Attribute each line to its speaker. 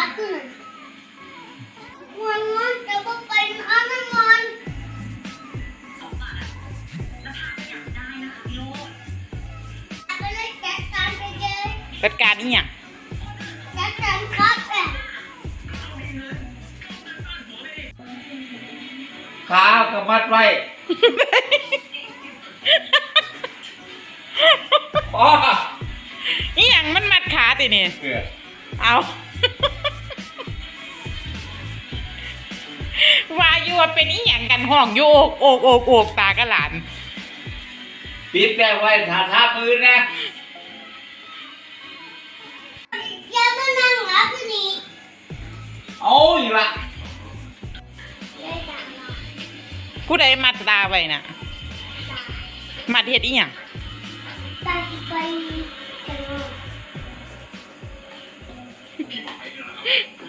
Speaker 1: satu nih. Wan coba paling aman Wan. Apa nih cekan aja.
Speaker 2: จัดการอีหยัง
Speaker 1: Cekan kafe.
Speaker 3: ขากับมัดไว้อ๋อ
Speaker 2: อีหยังมันมัดขาตินี่
Speaker 3: เกลือ
Speaker 2: เอาว่าอยู่ว่าเป็นอีหยังกันห้องอยู่โอกตากระหลาน
Speaker 3: ปิดแก้ไว้ถ้าทับมือนะ
Speaker 1: Dia menang apa nih?
Speaker 3: เอาอีกละ
Speaker 1: Dia tak mau.
Speaker 2: ผู้ใดมัดตาไว้น่ะ มัดเฮ็ดอีหยัง
Speaker 1: Tadi pagi.